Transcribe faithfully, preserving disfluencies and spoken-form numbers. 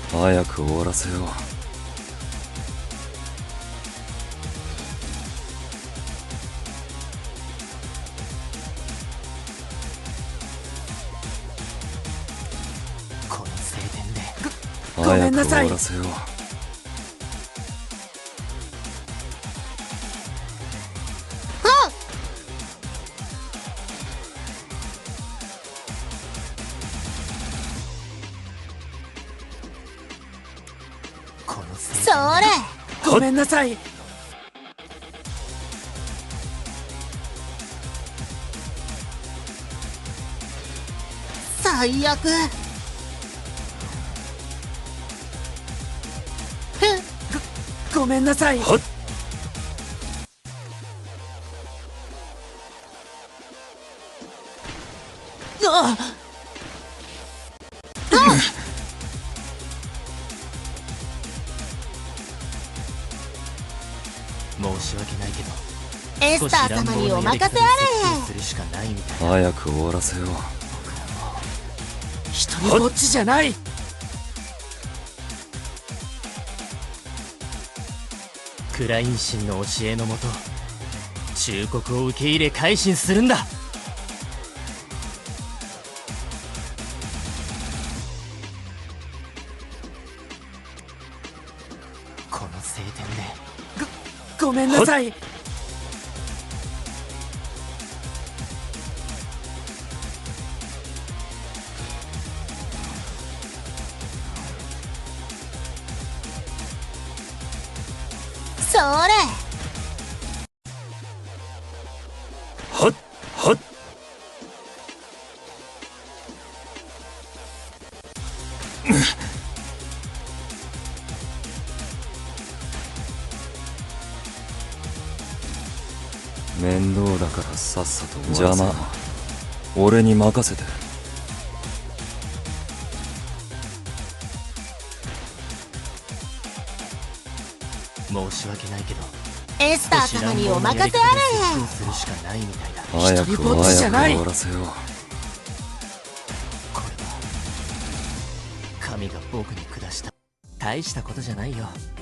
早く終わらせよう。 この晴天でごごめんなさい。 早く終わらせよう。 この晴それごめんなさい。 最悪。 ごめんなさい。 はっあ申し訳ないけどエスター様にお任せあれ。 するしかないみたいだ。 早く終わらせよう。 一人ぼっちじゃない。 クライン神の教えのもと忠告を受け入れ改心するんだ。この晴天でごめんなさい。 それはっはっ面倒だからさっさと終わらせよう。邪魔、俺に任せて。 申し訳ないけどエスター様にお任せあれ。 するしかないみたいだ。 早く一人ぼっちじゃない早く終わらせよう。 これは神が僕に下した大したことじゃないよ。